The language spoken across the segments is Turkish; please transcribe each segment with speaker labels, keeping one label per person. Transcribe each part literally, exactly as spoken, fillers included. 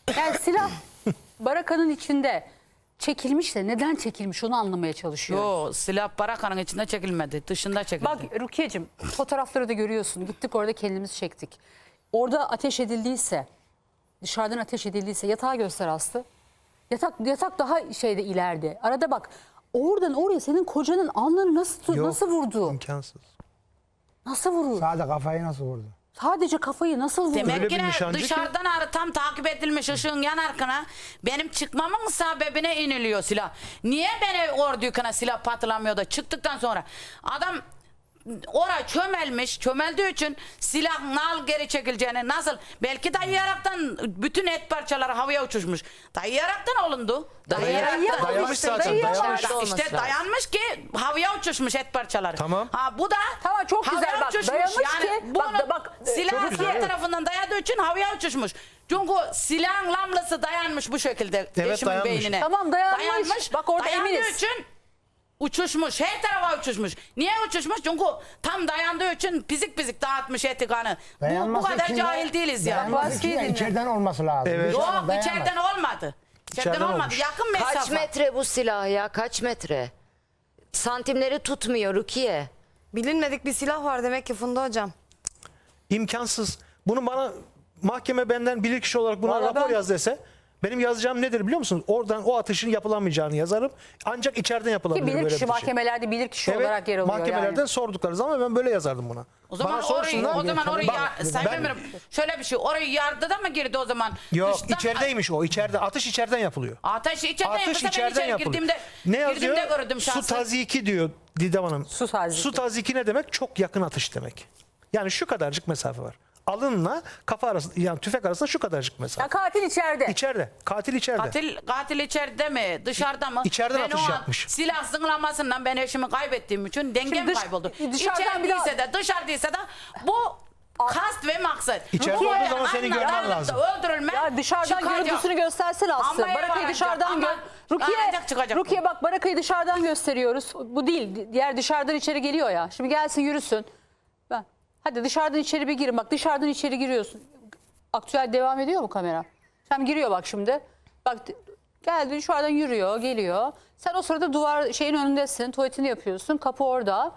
Speaker 1: Yani silah barakanın içinde çekilmiş de neden çekilmiş onu anlamaya çalışıyor.
Speaker 2: Yo, silah barakanın içinde çekilmedi. Dışında çekildi.
Speaker 1: Bak Rukiye'cim fotoğrafları da görüyorsun. Gittik orada kendimiz çektik. Orada ateş edildiyse, dışarıdan ateş edildiyse yatağı göster Aslı. Yatak yatak daha şeyde ileride. Arada bak oradan oraya senin kocanın alnını nasıl
Speaker 3: Yok,
Speaker 1: nasıl vurdu?
Speaker 3: İmkansız.
Speaker 1: Nasıl vurur?
Speaker 4: Sadece kafayı nasıl vurdu?
Speaker 1: Sadece kafayı nasıl vurdu?
Speaker 3: Öyle
Speaker 2: Demek
Speaker 3: bir
Speaker 2: ki ne,
Speaker 3: nişancı ki-
Speaker 2: dışarıdan arı tam takip edilmiş ışığın yan arkana benim çıkmamın sebebine iniliyor silah. Niye beni orada yüküne silah patlamıyor da çıktıktan sonra adam oraya çömelmiş, çömeldiği için silah nal geri çekileceğini nasıl belki dayayaraktan bütün et parçaları havaya uçuşmuş. Dayayaraktan olundu.
Speaker 1: Dayayarak-
Speaker 3: Dayanmış zaten,
Speaker 1: Dayayarak-
Speaker 3: dayanmış.
Speaker 2: İşte dayanmış ki havaya uçuşmuş et parçaları.
Speaker 3: Tamam.
Speaker 2: Ha bu da
Speaker 1: Tamam, çok güzel.
Speaker 2: havaya
Speaker 1: Bak,
Speaker 2: uçuşmuş.
Speaker 1: dayanmış
Speaker 2: yani
Speaker 1: ki-
Speaker 2: bunu
Speaker 1: bak da bak, e,
Speaker 2: silah
Speaker 3: çok güzel.
Speaker 2: sağ tarafından dayadığı için havaya uçuşmuş. Çünkü silahın lamlası dayanmış bu şekilde
Speaker 3: Evet,
Speaker 2: eşimin
Speaker 3: dayanmış.
Speaker 2: beynine.
Speaker 1: Tamam, dayanmış. Bak orada
Speaker 2: dayandığı
Speaker 1: eminiz.
Speaker 2: için uçuşmuş. Her tarafa uçuşmuş. Niye uçuşmuş? Çünkü tam dayandığı için pizik pizik dağıtmış eti kanı. Bu, bu
Speaker 4: Dayanması
Speaker 2: kadar
Speaker 4: için de-
Speaker 2: cahil değiliz ya.
Speaker 4: Dayanması için de
Speaker 1: Bahsedin.
Speaker 4: içeriden olması lazım.
Speaker 3: Evet.
Speaker 4: Dışarıdan
Speaker 2: Yok
Speaker 4: dayanamaz.
Speaker 2: içeriden olmadı. İçeriden,
Speaker 3: İçeriden
Speaker 2: olmadı.
Speaker 3: olmuş.
Speaker 2: Yakın mesafe.
Speaker 5: Kaç metre bu silah ya? Kaç metre? Santimleri tutmuyor Rukiye.
Speaker 6: Bilinmedik bir silah var demek ki Funda hocam.
Speaker 3: İmkansız. Bunu bana mahkeme benden bilirkişi olarak buna
Speaker 1: Vallahi
Speaker 3: rapor
Speaker 1: ben-
Speaker 3: yaz dese benim yazacağım nedir biliyor musunuz? Oradan o atışın yapılamayacağını yazarım. Ancak içeriden
Speaker 1: Ki
Speaker 3: yapılabilir böyle bir
Speaker 1: bilirkişi
Speaker 3: şey.
Speaker 1: mahkemelerde bilirkişi olarak yer
Speaker 3: Evet,
Speaker 1: alıyor
Speaker 3: mahkemelerden
Speaker 1: yani.
Speaker 3: sordukları zaman ben böyle yazardım buna.
Speaker 2: O zaman
Speaker 3: Bana
Speaker 2: orayı,
Speaker 3: sorsunlar.
Speaker 2: o zaman orayı
Speaker 3: Bak,
Speaker 2: ya, Sayın
Speaker 3: ben-
Speaker 2: Emirim, şöyle bir şey, orayı yardıda mı girdi o zaman?
Speaker 3: Yok,
Speaker 2: Dıştan-
Speaker 3: içerideymiş o. İçeride atış içeriden yapılıyor.
Speaker 2: Ateş içeriden
Speaker 3: Atış
Speaker 2: yapılsa ben
Speaker 3: içeriden
Speaker 2: içeri
Speaker 3: yapılıyor.
Speaker 2: girdiğimde,
Speaker 3: Ne yazıyor?
Speaker 2: girdiğimde gördüm
Speaker 3: Su
Speaker 2: şahsen.
Speaker 3: taziki diyor Didem Hanım.
Speaker 1: Su taziki.
Speaker 3: Su taziki ne demek? Çok yakın atış demek. Yani şu kadarcık mesafe var. Alınla kafa arasında, yani tüfek arasında şu kadarcık mesafe.
Speaker 1: Ya katil içeride.
Speaker 3: İçeride. Katil içeride.
Speaker 2: Katil, katil içeride mi, dışarıda mı?
Speaker 3: İçeriden
Speaker 2: Ben
Speaker 3: atış
Speaker 2: o an
Speaker 3: yapmış.
Speaker 2: Silah zınglamasından ben eşimi kaybettiğim için dengem
Speaker 1: dış-
Speaker 2: kayboldu.
Speaker 1: dışarıdan bir daha-
Speaker 2: İçerideyse de dışarıdaysa da bu kast ve maksat.
Speaker 3: İçeride
Speaker 2: Bu
Speaker 3: olduğu zaman seni
Speaker 2: anla
Speaker 3: görmen
Speaker 2: dayanıp da
Speaker 3: lazım.
Speaker 2: Öldürülme,
Speaker 1: Ya dışarıdan
Speaker 2: çıkacak.
Speaker 1: görüntüsünü göstersene Aslı.
Speaker 2: Ama
Speaker 1: Barakayı
Speaker 2: yapamayacak,
Speaker 1: dışarıdan
Speaker 2: ama
Speaker 1: gör. Rukiye,
Speaker 2: ancak çıkacak bu.
Speaker 1: Rukiye bak Barakayı dışarıdan gösteriyoruz. Bu değil. Diğer dışarıdan içeri geliyor ya. Şimdi gelsin yürüsün. Ben. Hadi dışarıdan içeri bir girin. Bak dışarıdan içeri giriyorsun. Aktüel devam ediyor mu kamera? Sen giriyor bak şimdi. Bak geldi dışarıdan yürüyor, geliyor. Sen o sırada duvar şeyin önündesin. Tuvaletini yapıyorsun. Kapı orada.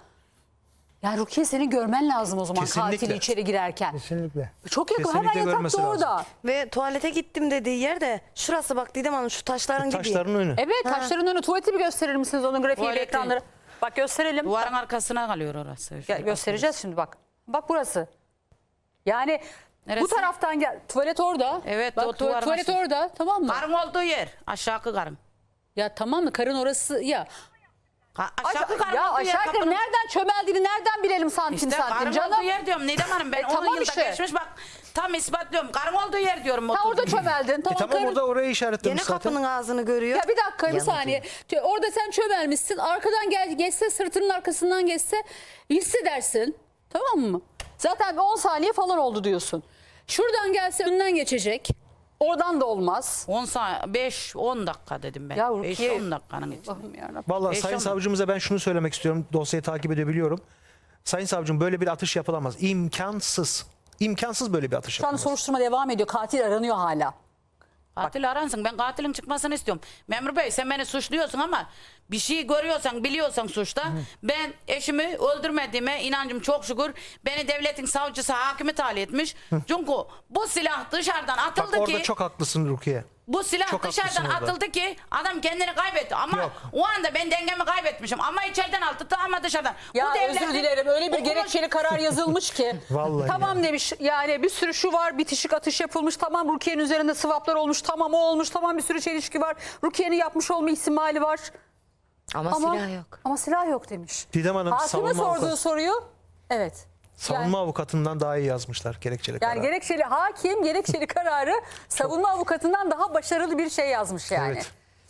Speaker 1: Ya Rukiye seni görmen lazım o zaman
Speaker 3: Kesinlikle.
Speaker 1: katili içeri girerken.
Speaker 4: Kesinlikle.
Speaker 1: Çok yakın.
Speaker 3: Kesinlikle
Speaker 1: Hemen
Speaker 3: görmesi
Speaker 1: yatakta
Speaker 3: lazım.
Speaker 1: orada.
Speaker 6: Ve tuvalete gittim dediği yerde şurası bak Didem Hanım şu taşların gibi.
Speaker 3: Taşların önü.
Speaker 1: Evet taşların önü. Tuvaleti bir gösterir misiniz onun grafiğiyle
Speaker 2: Tuvaleti.
Speaker 1: ekranları? Bak gösterelim.
Speaker 2: Duvarın arkasına kalıyor orası.
Speaker 1: Ya, göstereceğiz şimdi bak. Bak burası. Yani
Speaker 2: Neresi?
Speaker 1: bu taraftan gel. Tuvalet orada.
Speaker 2: Evet,
Speaker 1: bak,
Speaker 2: o
Speaker 1: tuvalet,
Speaker 2: duvarın
Speaker 1: tuvalet
Speaker 2: aşağı-
Speaker 1: orada tamam mı?
Speaker 2: Karın olduğu yer. Aşağı karın.
Speaker 1: Ya tamam mı? Karın orası ya.
Speaker 2: Ka- Aşağı
Speaker 1: Aşağı,
Speaker 2: karın
Speaker 1: ya
Speaker 2: olduğu yer.
Speaker 1: aşağı yukarı
Speaker 2: kapının-
Speaker 1: nereden çömeldiğini nereden bilelim santim
Speaker 2: İşte
Speaker 1: santim
Speaker 2: karın
Speaker 1: canım.
Speaker 2: olduğu yer diyorum. Nidem Hanım ben
Speaker 1: E,
Speaker 2: on
Speaker 1: tamam
Speaker 2: yılda
Speaker 1: işte.
Speaker 2: geçmiş bak tam ispatlıyorum. Karın olduğu yer diyorum.
Speaker 1: Ha orada
Speaker 2: oturdum.
Speaker 1: çömeldin.
Speaker 3: E
Speaker 1: Tamam,
Speaker 3: tamam
Speaker 1: karın-
Speaker 3: orada orayı
Speaker 6: Gene
Speaker 3: işaretlemiş zaten.
Speaker 6: kapının ağzını görüyor.
Speaker 1: Ya bir dakika bir
Speaker 5: Yanıcı.
Speaker 1: saniye. Orada sen çömelmişsin. Arkadan gel, geçse sırtının arkasından geçse hissedersin. Tamam mı? Zaten on saniye falan oldu diyorsun. Şuradan gelse önünden geçecek. Oradan da olmaz.
Speaker 2: on saniye, beş on dakika dedim ben.
Speaker 1: Ya
Speaker 2: beş
Speaker 1: Rukiye-
Speaker 2: on dakikanın içinde.
Speaker 1: Allah'ım yarabbim.
Speaker 3: Vallahi
Speaker 2: Beş
Speaker 3: Sayın
Speaker 2: on-
Speaker 3: Savcımıza ben şunu söylemek istiyorum. Dosyayı takip edebiliyorum. Sayın Savcım böyle bir atış yapılamaz. İmkansız. İmkansız böyle bir atış
Speaker 1: Şu an
Speaker 3: yapılamaz.
Speaker 1: soruşturma devam ediyor. Katil aranıyor hala.
Speaker 2: Katil aransın. Ben katilin çıkmasını istiyorum. Memur Bey sen beni suçluyorsun ama bir şey görüyorsan biliyorsan suçta. Ben eşimi öldürmediğime inancım çok şükür. Beni devletin savcısı hakimi tahliye etmiş. Çünkü bu silah dışarıdan
Speaker 3: Bak
Speaker 2: atıldı
Speaker 3: orada
Speaker 2: ki.
Speaker 3: çok haklısın Rukiye.
Speaker 2: Bu silah
Speaker 3: Çok
Speaker 2: dışarıdan
Speaker 3: haklısın orada.
Speaker 2: atıldı ki adam kendini kaybetti. Ama
Speaker 3: Yok.
Speaker 2: o anda ben dengemi kaybetmişim. Ama içeriden atıldı ama dışarıdan.
Speaker 1: Ya
Speaker 2: bu devletin
Speaker 1: özür dilerim öyle bir
Speaker 2: okumuş-
Speaker 1: gerekçeli karar yazılmış ki.
Speaker 3: Vallahi
Speaker 1: tamam
Speaker 3: ya.
Speaker 1: demiş yani bir sürü şu var bitişik atış yapılmış. Tamam Rukiye'nin üzerinde swaplar olmuş. Tamam o olmuş. Tamam bir sürü çelişki var. Rukiye'nin yapmış olma ihtimali var.
Speaker 5: Ama,
Speaker 1: Ama
Speaker 5: silah yok.
Speaker 1: Ama silah yok demiş.
Speaker 3: Didem Hanım
Speaker 1: Hakime
Speaker 3: savunma,
Speaker 1: sorduğu
Speaker 3: avukat,
Speaker 1: soruyu evet.
Speaker 3: savunma avukatından daha iyi yazmışlar gerekçeli
Speaker 1: Yani
Speaker 3: karar.
Speaker 1: gerekçeli hakim gerekçeli kararı savunma avukatından daha başarılı bir şey yazmış yani.
Speaker 3: Evet.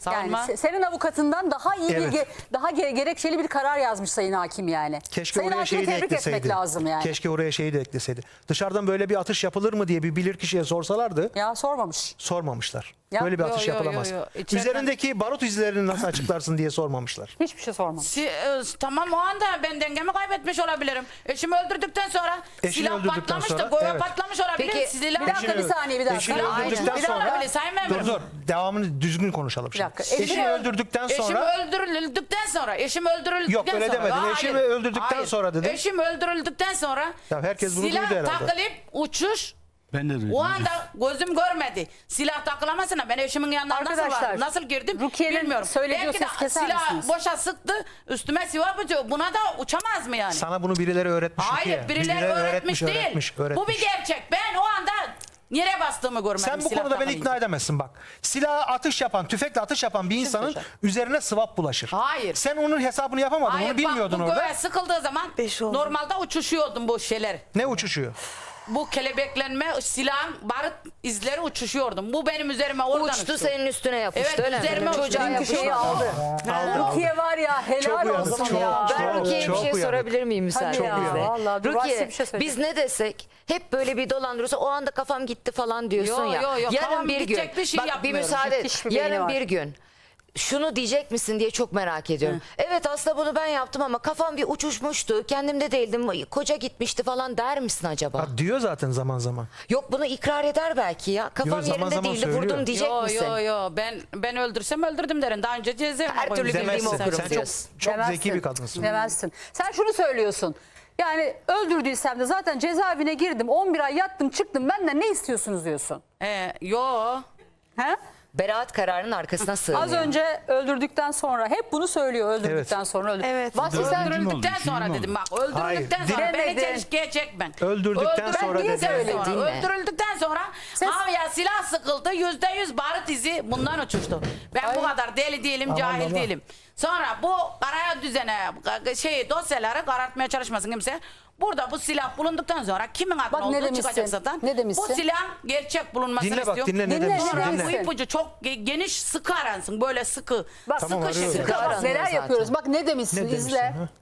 Speaker 2: Savunma.
Speaker 1: Yani se- senin avukatından daha iyi
Speaker 3: Evet.
Speaker 1: bir ge- daha ge- gerekçeli bir karar yazmış Sayın Hakim yani.
Speaker 3: Keşke
Speaker 1: Sayın
Speaker 3: oraya
Speaker 1: Hakim'i
Speaker 3: şeyi de
Speaker 1: tebrik
Speaker 3: ekleseydi.
Speaker 1: etmek lazım yani.
Speaker 3: Keşke oraya şeyi de ekleseydi. Dışarıdan böyle bir atış yapılır mı diye bir bilirkişiye sorsalardı
Speaker 1: Ya sormamış.
Speaker 3: sormamışlar.
Speaker 1: Ya,
Speaker 3: Böyle bir
Speaker 2: yo,
Speaker 3: atış
Speaker 2: yo, yo,
Speaker 3: yapılamaz.
Speaker 2: yo. İçeriden-
Speaker 3: Üzerindeki barut izlerini nasıl açıklarsın diye sormamışlar.
Speaker 1: Hiçbir şey sormamış.
Speaker 2: Si- e, tamam o anda ben dengemi kaybetmiş olabilirim. Eşimi öldürdükten sonra
Speaker 3: Eşini
Speaker 2: silah
Speaker 3: öldürdükten
Speaker 2: patlamış
Speaker 3: sonra,
Speaker 2: da goya
Speaker 3: evet.
Speaker 2: patlamış olabilir.
Speaker 5: Peki,
Speaker 2: Silah...
Speaker 1: Bir dakika bir saniye bir dakika.
Speaker 3: Eşini
Speaker 1: Aynen.
Speaker 3: öldürdükten
Speaker 1: Bir dakika.
Speaker 3: sonra
Speaker 2: öyle Sayın Memurum.
Speaker 3: dur dur devamını düzgün konuşalım şimdi.
Speaker 1: dakika.
Speaker 3: Eşini
Speaker 1: Eşini-
Speaker 3: öldürdükten
Speaker 2: Eşim
Speaker 3: sonra
Speaker 2: öldürüldükten sonra, eşim öldürüldükten
Speaker 3: Yok, öyle
Speaker 2: sonra.
Speaker 3: demedin.
Speaker 2: Hayır,
Speaker 3: Eşimi öldürdükten
Speaker 2: hayır.
Speaker 3: sonra dedin.
Speaker 2: Eşim öldürüldükten sonra
Speaker 3: Ya herkes bunu
Speaker 2: silah
Speaker 3: duydu herhalde.
Speaker 2: takılıp uçuş.
Speaker 7: Ben de duydum.
Speaker 2: O anda gözüm görmedi. Silah takılamasına ben eşimin yanına nasıl
Speaker 1: Arkadaşlar,
Speaker 2: vardım, nasıl girdim
Speaker 1: Rukiye'nin
Speaker 2: bilmiyorum.
Speaker 1: söylediği
Speaker 2: Belki de
Speaker 1: sesi keser
Speaker 2: silah
Speaker 1: misiniz?
Speaker 2: boşa sıktı, üstüme silah bıçağı. Buna da uçamaz mı yani?
Speaker 3: sana bunu birileri öğretmiş.
Speaker 2: Hayır,
Speaker 3: Rukiye.
Speaker 2: birileri öğretmiş, değil.
Speaker 3: öğretmiş,
Speaker 2: Bu
Speaker 3: öğretmiş.
Speaker 2: bir gerçek. Ben o anda yere bastığımı görmedim.
Speaker 3: Sen bu
Speaker 2: silah
Speaker 3: konuda beni
Speaker 2: takılınca.
Speaker 3: ikna edemezsin bak. Silah atış yapan, tüfekle atış yapan bir insanın
Speaker 1: söyleyeceğim.
Speaker 3: üzerine swap bulaşır.
Speaker 2: Hayır.
Speaker 3: Sen onun hesabını yapamadın,
Speaker 2: Hayır,
Speaker 3: onu bilmiyordun
Speaker 2: bak, bu
Speaker 3: orada.
Speaker 2: göğe sıkıldığı zaman
Speaker 6: Beş oldu.
Speaker 2: normalde uçuşuyordum bu şeyler.
Speaker 3: Ne uçuşuyor?
Speaker 2: Bu kelebeklenme, silahın barut izleri uçuşuyordum. Bu benim üzerime oradan
Speaker 5: Uçtu
Speaker 2: uçtu.
Speaker 5: senin üstüne yapıştı
Speaker 2: Evet,
Speaker 5: öyle mi?
Speaker 2: üzerime uçtu.
Speaker 5: Çocuğa
Speaker 2: Dünkü
Speaker 5: yapıştı.
Speaker 1: Şeyi aldı. Rukiye var ya helal
Speaker 3: Çok uyanık,
Speaker 1: olsun
Speaker 3: çok,
Speaker 1: ya.
Speaker 3: çok.
Speaker 5: Ben Rukiye'ye bir
Speaker 3: çok
Speaker 5: şey
Speaker 3: uyanık.
Speaker 5: sorabilir miyim müsaadenizle?
Speaker 1: ya, vallahi dur,
Speaker 5: Rukiye
Speaker 1: Rasim bir şey söyleyecek.
Speaker 5: biz ne desek hep böyle bir dolandırıyorsa o anda kafam gitti falan diyorsun
Speaker 2: Yo,
Speaker 5: ya.
Speaker 2: yo, yo,
Speaker 5: Yarın
Speaker 2: kafam
Speaker 5: bir gün
Speaker 2: gidecek bir şey
Speaker 5: bak bir
Speaker 2: yapmıyorum.
Speaker 5: müsaade et.
Speaker 1: Hiçbir beyni
Speaker 5: Yarın
Speaker 1: var.
Speaker 5: bir gün şunu diyecek misin diye çok merak ediyorum. Evet aslında bunu ben yaptım ama kafam bir uçuşmuştu. Kendimde değildim. Koca gitmişti falan der misin acaba?
Speaker 3: Ha, diyor zaten zaman zaman.
Speaker 5: Yok bunu ikrar eder belki ya. Kafam
Speaker 3: Yo, zaman
Speaker 5: yerinde
Speaker 3: zaman
Speaker 5: değildi
Speaker 3: söylüyor.
Speaker 5: vurdum diyecek
Speaker 2: Yo
Speaker 5: misin?
Speaker 2: yo yo ben ben öldürsem öldürdüm derim. Daha önce cezaevine
Speaker 5: Her türlü
Speaker 2: koymuştum.
Speaker 5: bildiğimi
Speaker 3: Demezsin.
Speaker 5: okurum
Speaker 3: Sen çok,
Speaker 5: diyorsun.
Speaker 3: çok
Speaker 1: Demezsin.
Speaker 3: zeki bir kadınsın.
Speaker 1: Demezsin. Sen şunu söylüyorsun. Yani öldürdüysem de zaten cezaevine girdim. on bir ay yattım çıktım. Benden ne istiyorsunuz diyorsun.
Speaker 2: Ee, yo.
Speaker 1: He?
Speaker 5: Beraat kararının arkasına sığınıyor.
Speaker 1: Az önce öldürdükten sonra hep bunu söylüyor öldürdükten
Speaker 3: Evet.
Speaker 1: sonra öldür.
Speaker 6: Evet.
Speaker 1: Vahşi sen
Speaker 7: Öldürdüm.
Speaker 2: Öldürüldükten
Speaker 7: oldu,
Speaker 2: sonra
Speaker 7: film
Speaker 2: dedim
Speaker 7: oldu.
Speaker 2: bak. Öldürüldükten
Speaker 3: Hayır,
Speaker 2: sonra beni
Speaker 1: dinlemedin.
Speaker 2: çelişkiye çekmen.
Speaker 3: Öldürdükten sonra
Speaker 2: niye
Speaker 3: dedi.
Speaker 2: söylüyorum?
Speaker 5: Dinle.
Speaker 2: Öldürüldükten sonra
Speaker 1: Ses-
Speaker 2: havaya silah sıkıldı. Yüzde yüz barut izi bundan uçuştu. Ben bu kadar deli değilim, cahil
Speaker 4: baba.
Speaker 2: değilim. Sonra bu karaya düzene şey dosyaları karartmaya çalışmasın kimse. Burada bu silah bulunduktan sonra kimin adına
Speaker 1: Bak ne
Speaker 2: olduğu
Speaker 1: demişsin,
Speaker 2: çıkacak zaten.
Speaker 1: ne demişsin?
Speaker 2: Bu silah gerçek bulunmasını
Speaker 3: Dinle bak,
Speaker 2: istiyorum.
Speaker 3: dinle ne
Speaker 1: Dinle,
Speaker 3: demişsin,
Speaker 1: dinle.
Speaker 2: Sonra
Speaker 3: dinle.
Speaker 2: bu ipucu çok ge- geniş sıkı aransın. Böyle sıkı.
Speaker 1: Bak,
Speaker 2: sıkı
Speaker 3: Tamam,
Speaker 2: şey.
Speaker 3: arıyorum.
Speaker 2: Sıkı
Speaker 1: Bak
Speaker 5: aranıyor
Speaker 1: neler
Speaker 5: zaten.
Speaker 1: yapıyoruz. Bak ne demişsin
Speaker 3: Ne demişsin?
Speaker 1: izle.
Speaker 3: ha?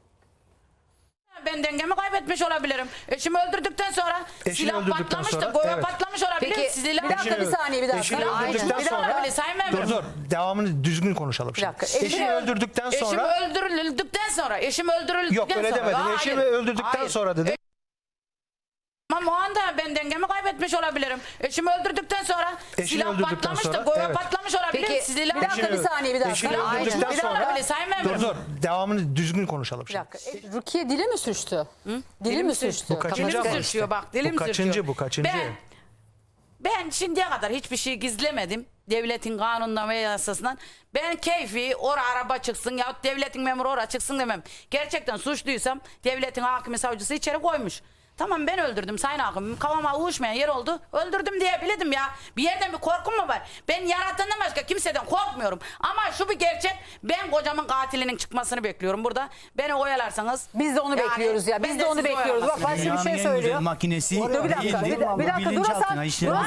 Speaker 2: Ben dengemi kaybetmiş olabilirim. Eşimi öldürdükten sonra
Speaker 3: Eşini
Speaker 2: silah
Speaker 3: öldürdükten
Speaker 2: patlamış da
Speaker 3: sonra,
Speaker 2: goya
Speaker 3: evet.
Speaker 2: patlamış olabilir.
Speaker 5: Peki,
Speaker 2: Silah...
Speaker 1: Bir dakika bir saniye bir dakika.
Speaker 3: Eşini
Speaker 1: Aynen.
Speaker 3: öldürdükten
Speaker 1: Bir dakika.
Speaker 3: sonra
Speaker 2: olabilir, Sayın Memurum.
Speaker 3: dur dur devamını düzgün konuşalım şimdi.
Speaker 1: dakika, eşini
Speaker 3: Eşini
Speaker 1: öl-
Speaker 3: öldürdükten
Speaker 2: Eşim
Speaker 3: sonra
Speaker 2: öldürüldükten sonra, eşim öldürüldükten
Speaker 3: yok öyle
Speaker 2: sonra.
Speaker 3: demedin.
Speaker 2: Hayır,
Speaker 3: Eşimi öldürdükten
Speaker 2: hayır.
Speaker 3: sonra dedi.
Speaker 2: Ama o anda ben dengemi kaybetmiş olabilirim. Eşimi öldürdükten sonra
Speaker 3: Eşini
Speaker 2: silah
Speaker 3: öldürdükten
Speaker 2: patlamış da
Speaker 3: sonra,
Speaker 2: goya
Speaker 3: evet.
Speaker 2: patlamış olabilir.
Speaker 5: Peki,
Speaker 2: Silah...
Speaker 1: Bir dakika bir saniye bir dakika.
Speaker 3: Eşini
Speaker 2: Silah-
Speaker 3: öldürdükten
Speaker 2: Aynen.
Speaker 3: sonra
Speaker 2: Olabilir, Sayın Memurum.
Speaker 3: dur dur devamını düzgün konuşalım
Speaker 1: Bir
Speaker 3: şimdi.
Speaker 1: dakika. E, Rukiye dili mi sürçtü? Dili
Speaker 2: Dilim
Speaker 1: mi
Speaker 2: sürçtü.
Speaker 1: sürçtü?
Speaker 3: Bu kaçıncı
Speaker 2: Dilim
Speaker 3: ama?
Speaker 2: sürçüyor bak, dilim
Speaker 3: Bu kaçıncı,
Speaker 2: sürçüyor.
Speaker 3: bu kaçıncı?
Speaker 2: Ben, ben şimdiye kadar hiçbir şey gizlemedim. Devletin kanunundan ve yasasından. Ben keyfi ora araba çıksın yahut devletin memuru ora çıksın demem. Gerçekten suçluysam devletin hakimi savcısı içeri koymuş. Tamam ben öldürdüm sayın hakim. Kafama uyuşmayan yer oldu. Öldürdüm diyebilirdim ya. Bir yerden bir korkum mu var? Ben yaratandan başka kimseden korkmuyorum. Ama şu bir gerçek. Ben kocamın katilinin çıkmasını bekliyorum burada. Beni oyalarsanız.
Speaker 1: Biz de onu
Speaker 2: yani
Speaker 1: bekliyoruz ya.
Speaker 2: ben
Speaker 1: Biz
Speaker 2: de
Speaker 1: de onu
Speaker 2: sizi
Speaker 1: bekliyoruz. Bak
Speaker 2: oyalasın.
Speaker 1: başka bir
Speaker 7: Dünyanın
Speaker 1: şey
Speaker 7: en güzel
Speaker 1: söylüyor.
Speaker 7: makinesi
Speaker 1: Dur bir dakika. Bir,
Speaker 7: değildi.
Speaker 1: dakika, bir dakika.
Speaker 7: Bilinçaltına
Speaker 1: Durasan,
Speaker 7: işleyen-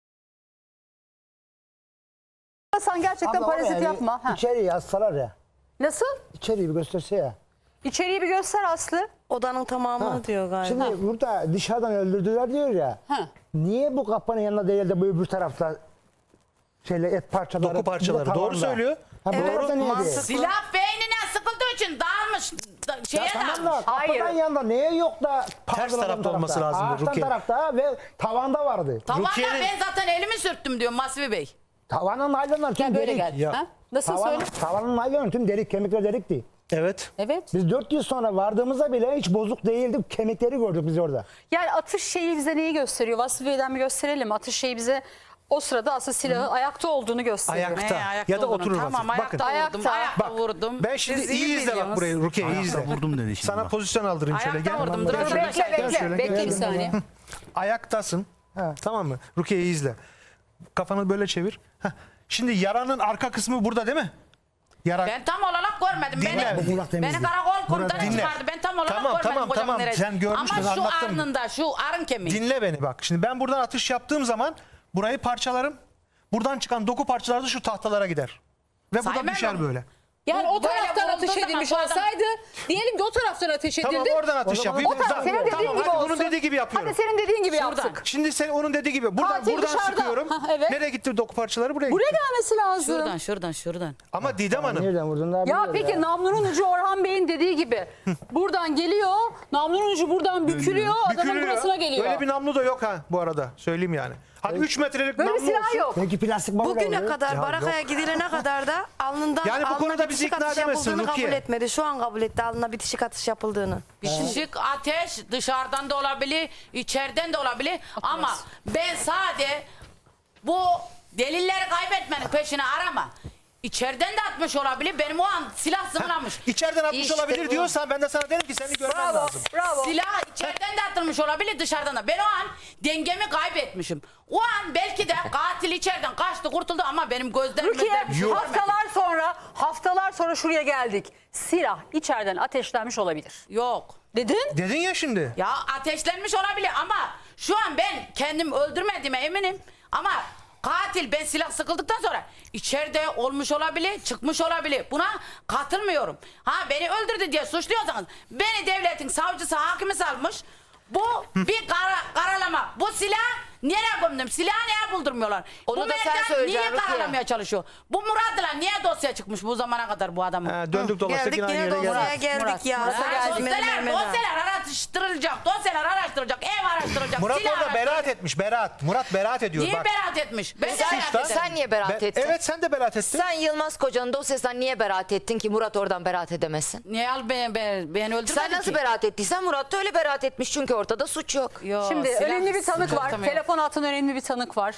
Speaker 1: Durasan gerçekten
Speaker 4: Abla
Speaker 1: parazit
Speaker 4: oraya bir
Speaker 1: yapma. Ha.
Speaker 4: İçeriği yazsalar ya.
Speaker 1: Nasıl?
Speaker 4: İçeriği bir gösterse ya.
Speaker 1: İçeriği bir göster Aslı.
Speaker 6: Odanın tamamını diyor galiba.
Speaker 4: Şimdi burada dışarıdan öldürdüler diyor ya.
Speaker 1: Ha.
Speaker 4: Niye bu kapının yanında değil de bu öbür tarafta şeyle et parçaları.
Speaker 3: Doku parçaları.
Speaker 4: bir de
Speaker 3: Doğru
Speaker 4: tavanda?
Speaker 3: söylüyor.
Speaker 4: Ha, bu
Speaker 6: Evet,
Speaker 4: orada niye
Speaker 6: mantıklı.
Speaker 4: değil?
Speaker 2: Silah beynine sıkıldığı için dağılmış. Da, şeye
Speaker 4: Ya tamam
Speaker 2: dağılmış.
Speaker 4: da kapıdan
Speaker 1: Hayır.
Speaker 4: yanında niye yok da pardon,
Speaker 3: tarafta olması lazım bu,
Speaker 4: Ağaçtan
Speaker 3: Rukiye.
Speaker 4: tarafta ve tavanda vardı.
Speaker 2: Tavanda
Speaker 3: Rukiye'nin-
Speaker 2: ben zaten elimi sürttüm diyor Masvi Bey.
Speaker 4: Tavanın naylonları tüm
Speaker 1: Gel böyle
Speaker 4: delik.
Speaker 1: gel.
Speaker 3: Ya.
Speaker 1: Ha? Nasıl
Speaker 4: Tavan,
Speaker 1: söyle?
Speaker 4: tavanın naylonu tüm delik, kemikler delikti.
Speaker 3: Evet.
Speaker 1: Evet.
Speaker 4: Biz dört yıl sonra vardığımızda bile hiç bozuk değildi. Kemikleri gördük biz orada.
Speaker 1: Yani atış şeyi bize neyi gösteriyor? Vasfi Bey'den bir gösterelim. Atış şeyi bize o sırada aslında silahı ayakta olduğunu gösteriyor.
Speaker 3: Ayakta.
Speaker 2: He, ayakta
Speaker 3: Ya da
Speaker 2: olduğunu.
Speaker 3: oturur
Speaker 2: Tamam
Speaker 3: vaziyette.
Speaker 2: ayakta
Speaker 3: Bakın.
Speaker 2: vurdum.
Speaker 1: Ayakta.
Speaker 2: Ayakta
Speaker 3: Bak
Speaker 2: vurdum.
Speaker 3: ben şimdi
Speaker 2: Siz
Speaker 3: iyi izle bak
Speaker 2: biliyorsunuz.
Speaker 3: burayı Rukiye iyi izle.
Speaker 7: Vurdum dedi şimdi
Speaker 3: Sana
Speaker 7: bak.
Speaker 3: pozisyon aldırayım şöyle
Speaker 2: Ayakta
Speaker 3: gel.
Speaker 2: vurdum.
Speaker 3: Gel
Speaker 2: Dur,
Speaker 3: şöyle.
Speaker 2: bekle,
Speaker 1: Bekle
Speaker 3: Gel şöyle,
Speaker 1: bekle.
Speaker 3: gel
Speaker 1: Bekle bir
Speaker 3: şöyle.
Speaker 1: saniye.
Speaker 3: Ayaktasın.
Speaker 4: Ha.
Speaker 3: Tamam mı? Rukiye'yi izle. Kafanı böyle çevir. Heh. Şimdi yaranın arka kısmı burada değil mi? Yara.
Speaker 2: Ben tam olarak görmedim.
Speaker 3: Dinle.
Speaker 2: Beni,
Speaker 4: Bu kulak temizliği.
Speaker 2: beni karakol komutanı
Speaker 3: Dinle.
Speaker 2: çıkardı. Ben tam olarak
Speaker 3: Tamam,
Speaker 2: görmedim
Speaker 3: tamam,
Speaker 2: kocamın
Speaker 3: tamam.
Speaker 2: neresi.
Speaker 3: Sen görmüştün,
Speaker 2: Ama şu
Speaker 3: anlattın.
Speaker 2: arnında şu arın kemiği.
Speaker 3: Dinle beni bak. Şimdi ben buradan atış yaptığım zaman burayı parçalarım. Buradan çıkan doku parçaları da şu tahtalara gider. Ve bu da
Speaker 2: Saymam
Speaker 3: düşer
Speaker 2: onu.
Speaker 3: böyle.
Speaker 1: Yani
Speaker 2: Bu
Speaker 1: o taraftan
Speaker 2: böyle
Speaker 1: ateş
Speaker 2: olduğu
Speaker 1: edilmiş
Speaker 2: zaman bu adam-
Speaker 1: olsaydı, diyelim ki o taraftan ateş edildi.
Speaker 3: Tamam oradan atış
Speaker 4: zaman
Speaker 3: yapayım.
Speaker 1: O taraf
Speaker 3: Tamam,
Speaker 1: senin dediğin
Speaker 3: tamam,
Speaker 1: gibi
Speaker 3: hadi
Speaker 1: olsun.
Speaker 3: bunun dediği gibi yapıyorum.
Speaker 1: Hadi senin dediğin gibi
Speaker 2: Şuradan.
Speaker 1: yaptık.
Speaker 3: Şimdi sen onun dediği gibi. Buradan,
Speaker 1: Katil
Speaker 3: buradan
Speaker 1: dışarıda.
Speaker 3: sıkıyorum.
Speaker 1: Ha, evet.
Speaker 3: Nereye gitti doku parçaları? Buraya
Speaker 1: Buraya
Speaker 3: gitti.
Speaker 1: gelmesi lazım.
Speaker 2: Şuradan şuradan şuradan.
Speaker 3: Ama Didem Hanım.
Speaker 4: Nereden vurdun daha
Speaker 1: Ya
Speaker 4: biliyor
Speaker 1: peki namlunun ucu Orhan Bey'in dediği gibi. Buradan geliyor. Namlunun ucu buradan bükülüyor. Adamın
Speaker 3: bükülüyor.
Speaker 1: burasına geliyor.
Speaker 3: Öyle bir namlu da yok ha bu arada. Söyleyeyim yani. Hadi üç metrelik
Speaker 1: Böyle
Speaker 3: namlu
Speaker 1: silah
Speaker 3: olsun.
Speaker 1: yok.
Speaker 4: Peki plastik balık
Speaker 6: Bugüne
Speaker 4: alıyor.
Speaker 6: kadar
Speaker 3: Ya
Speaker 6: barakaya
Speaker 3: yok.
Speaker 6: gidilene kadar da alnından
Speaker 3: Yani bu
Speaker 6: alnına
Speaker 3: konuda
Speaker 6: bitişik
Speaker 3: bizi ikna
Speaker 6: atış
Speaker 3: edemezsin
Speaker 6: yapıldığını
Speaker 3: Rukiye.
Speaker 6: kabul etmedi. Şu an kabul etti alnına bitişik atış yapıldığını.
Speaker 2: Bitişik ateş dışarıdan da olabilir, içeriden de olabilir. Ama ben sade bu delilleri kaybetmenin peşine arama. İçeriden de atmış olabilir. Benim o an silah zımlamış.
Speaker 3: İçeriden atmış
Speaker 5: İşte
Speaker 3: olabilir
Speaker 5: bu.
Speaker 3: diyorsan ben de sana derim ki seni görmen
Speaker 1: Bravo.
Speaker 3: lazım.
Speaker 1: Bravo.
Speaker 2: Silah içeriden de atılmış olabilir, dışarıdan da. Ben o an dengemi kaybetmişim. O an belki de katil içeriden kaçtı, kurtuldu ama benim gözlerim
Speaker 1: Rukiye
Speaker 2: gözlerim bir şey görmedi.
Speaker 1: haftalar sonra haftalar sonra şuraya geldik. Silah içeriden ateşlenmiş olabilir.
Speaker 2: Yok.
Speaker 1: Dedin?
Speaker 3: Dedin ya şimdi.
Speaker 2: Ya ateşlenmiş olabilir ama şu an ben kendim öldürmediğime eminim. Ama katil ben silah sıkıldıktan sonra içeride olmuş olabilir, çıkmış olabilir. Buna katılmıyorum. Ha beni öldürdü diye suçluyorsanız beni devletin savcısı, hakimi salmış. Bu bir kara, karalama. Bu silah nereye gömdüm? Silahı niye buldurmuyorlar?
Speaker 5: Onu
Speaker 2: bu
Speaker 5: da sen
Speaker 2: mercan
Speaker 5: söyleyeceksin
Speaker 2: niye
Speaker 5: Rukiye.
Speaker 2: karalamaya çalışıyor? Bu Murat'la niye dosya çıkmış bu zamana kadar bu adamın?
Speaker 3: Ha, döndük dolaştık
Speaker 6: Geldik
Speaker 3: yine aynı
Speaker 6: yine
Speaker 3: yere
Speaker 6: dosyaya
Speaker 3: geldik.
Speaker 6: geldik
Speaker 1: Murat,
Speaker 6: ya.
Speaker 1: Murat'a
Speaker 6: Sen
Speaker 1: geldik.
Speaker 6: Mehmet
Speaker 2: Dosyalar,
Speaker 6: Mehmet.
Speaker 2: dosyalar araştırılacak, dosyalar araştırılacak, ev araştırılacak,
Speaker 3: Murat
Speaker 2: silah
Speaker 3: orada
Speaker 2: araştırılacak.
Speaker 3: beraat etmiş. Beraat. Murat beraat ediyor.
Speaker 2: Niye
Speaker 3: Bak.
Speaker 2: beraat etmiş? Ben de
Speaker 5: Sen,
Speaker 2: beraat
Speaker 3: Suçtan-
Speaker 2: ederim.
Speaker 5: sen niye beraat
Speaker 3: Ben-
Speaker 5: ettin?
Speaker 3: evet sen de beraat ettin.
Speaker 5: Sen Yılmaz Koca'nın dosyasından niye beraat ettin ki Murat oradan beraat edemesin?
Speaker 2: Niye al ben, ben, beni öldürmedi
Speaker 5: Sen nasıl
Speaker 2: ki?
Speaker 5: beraat ettiysen Murat da öyle beraat etmiş çünkü ortada suç yok.
Speaker 2: Yo,
Speaker 1: Şimdi
Speaker 2: silah
Speaker 1: önemli bir tanık var.
Speaker 2: sıkıntım yok.
Speaker 1: Telefon altında önemli bir tanık var.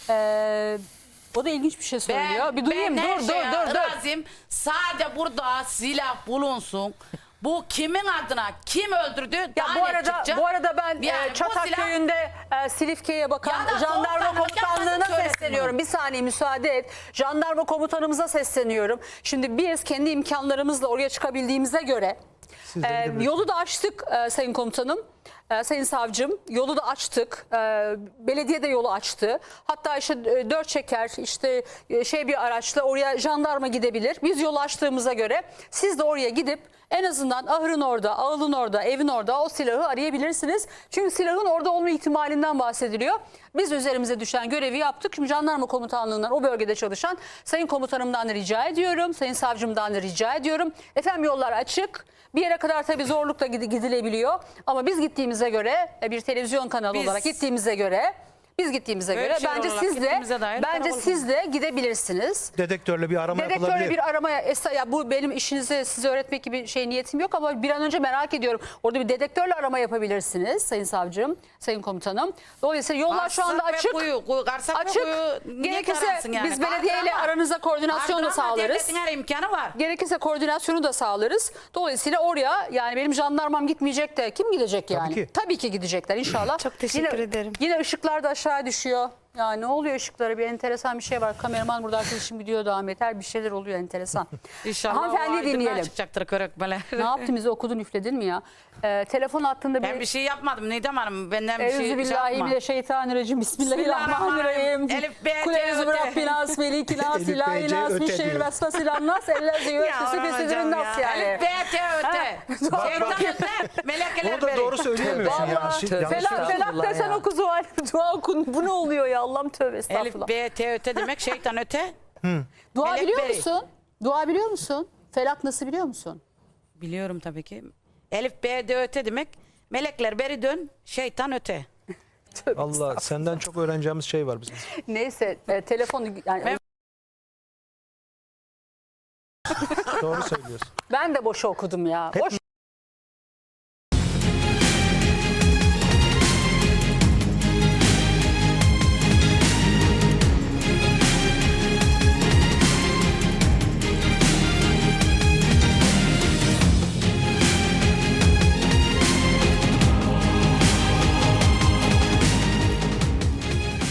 Speaker 1: Ee, o da ilginç bir şey söylüyor.
Speaker 2: Ben,
Speaker 1: bir duyayım.
Speaker 2: ben her
Speaker 1: Dur,
Speaker 2: şeye
Speaker 1: dur dur dur.
Speaker 2: razıyım. Sade burada silah bulunsun. Bu kimin adına kim öldürdü?
Speaker 1: Ya
Speaker 2: daha
Speaker 1: bu
Speaker 2: net
Speaker 1: arada
Speaker 2: çıkacak.
Speaker 1: bu arada ben
Speaker 2: Yani
Speaker 1: e,
Speaker 2: bu
Speaker 1: Çatak
Speaker 2: silah-
Speaker 1: köyünde e, Silifke'ye bakan
Speaker 2: Ya da
Speaker 1: jandarma
Speaker 2: soğukkanlılık
Speaker 1: komutanlığına
Speaker 2: yapmasın, söylesin
Speaker 1: sesleniyorum.
Speaker 2: bunu.
Speaker 1: Bir saniye müsaade et. Jandarma komutanımıza sesleniyorum. Şimdi biz kendi imkanlarımızla oraya çıkabildiğimize göre
Speaker 3: Siz de
Speaker 1: e,
Speaker 3: gidebilirsiniz.
Speaker 1: yolu da açtık e, Sayın Komutanım. e, Sayın Savcım yolu da açtık. E, belediye de yolu açtı. Hatta işte e, dört çeker işte e, şey bir araçla oraya jandarma gidebilir. Biz yolu açtığımıza göre siz de oraya gidip en azından ahırın orada, ağılın orada, evin orada o silahı arayabilirsiniz. Çünkü silahın orada olma ihtimalinden bahsediliyor. Biz üzerimize düşen görevi yaptık. Şimdi jandarma komutanlığından o bölgede çalışan Sayın Komutanımdan da rica ediyorum. Sayın Savcımdan da rica ediyorum. Efendim yollar açık. Bir yere kadar tabii zorlukla gidi- gidilebiliyor. Ama biz gittiğimize göre e, bir televizyon kanalı
Speaker 2: Biz-
Speaker 1: olarak gittiğimize göre biz gittiğimize göre
Speaker 2: Ölçer
Speaker 1: bence
Speaker 2: olarak
Speaker 1: siz de
Speaker 2: gittiğimize dair
Speaker 1: bence
Speaker 2: karakol
Speaker 1: siz de gidebilirsiniz.
Speaker 3: Dedektörle bir arama
Speaker 1: Dedektörle
Speaker 3: yapılabilir.
Speaker 1: bir aramaya esa- ya bu benim işinizi size öğretmek gibi şey niyetim yok ama bir an önce merak ediyorum. Orada bir dedektörle arama yapabilirsiniz Sayın Savcım, Sayın Komutanım. Dolayısıyla yollar şu anda
Speaker 2: Karsak ve
Speaker 1: açık.
Speaker 2: Kuyu, kuyu, karsak ve
Speaker 1: Açık.
Speaker 2: kuyu niye
Speaker 1: Gerekirse
Speaker 2: taransın yani?
Speaker 1: biz belediyeyle
Speaker 2: Kaldırama.
Speaker 1: aranızda koordinasyon da
Speaker 2: Kaldırama,
Speaker 1: sağlarız.
Speaker 2: devletin her imkanı var.
Speaker 1: Gerekirse koordinasyonu da sağlarız. Dolayısıyla oraya yani benim jandarmam gitmeyecek de kim gidecek yani?
Speaker 3: ki.
Speaker 1: Tabii ki gidecekler inşallah.
Speaker 6: Çok teşekkür
Speaker 1: yine,
Speaker 6: ederim.
Speaker 1: Yine ışıklar da aşağı düşüyor. Ya ne oluyor ışıklara? Bir enteresan bir şey var. Kameraman burada arkadaşım gidiyordu Ahmet. Her bir şeyler oluyor enteresan.
Speaker 2: İnşallah
Speaker 1: Hanımefendi
Speaker 2: o aydınlığa
Speaker 1: dinleyelim.
Speaker 2: çıkacaktır körökmeler.
Speaker 1: Ne yaptın bizi okudun üfledin mi ya? Ee, telefon hattında
Speaker 2: Ben
Speaker 1: bir...
Speaker 2: bir şey yapmadım Nidem Hanım. Benden bir şey, şey yapma.
Speaker 1: Euzubillahimineşşeytanirracim. Bismillahirrahmanirrahim.
Speaker 2: Elif, B, T,
Speaker 1: Kuleyüzü
Speaker 2: Ö, T.
Speaker 1: Rabbinas, Velikinas,
Speaker 3: Elif, B, C,
Speaker 1: İlahinas,
Speaker 3: Ö, T
Speaker 1: Mişşehir
Speaker 3: diyor.
Speaker 1: Vesvasilannas, Ellezi
Speaker 6: Ya
Speaker 1: Yüvekküsü
Speaker 6: Orhan
Speaker 1: Fesidirin
Speaker 6: hocam
Speaker 1: Nas
Speaker 6: ya.
Speaker 1: yani.
Speaker 2: Elif, B, T, Ö, T. Şeytan öte, melekler
Speaker 3: Onu da
Speaker 2: beri.
Speaker 3: doğru söyleyemiyorsun ya.
Speaker 1: Vallahi
Speaker 3: Şimdi yanlış
Speaker 1: felak
Speaker 3: söylüyorsun.
Speaker 1: felak desen
Speaker 5: ya.
Speaker 1: oku Zuhal. Dua okun. Bu ne oluyor ya Allah'ım tövbe
Speaker 2: Elif,
Speaker 1: estağfurullah.
Speaker 2: B, T, öte demek şeytan öte.
Speaker 1: Dua
Speaker 2: melek
Speaker 1: biliyor
Speaker 2: beri.
Speaker 1: musun? Dua biliyor musun? Felak nasıl biliyor musun?
Speaker 2: Biliyorum tabii ki. Elif, B, D, öte demek. Melekler beri dön, şeytan öte.
Speaker 1: Tövbe
Speaker 3: Allah senden çok öğreneceğimiz şey var bizim.
Speaker 1: Neyse e, telefonu yani
Speaker 2: Ben-
Speaker 3: Doğru söylüyorsun.
Speaker 1: ben de boşa okudum ya. Boş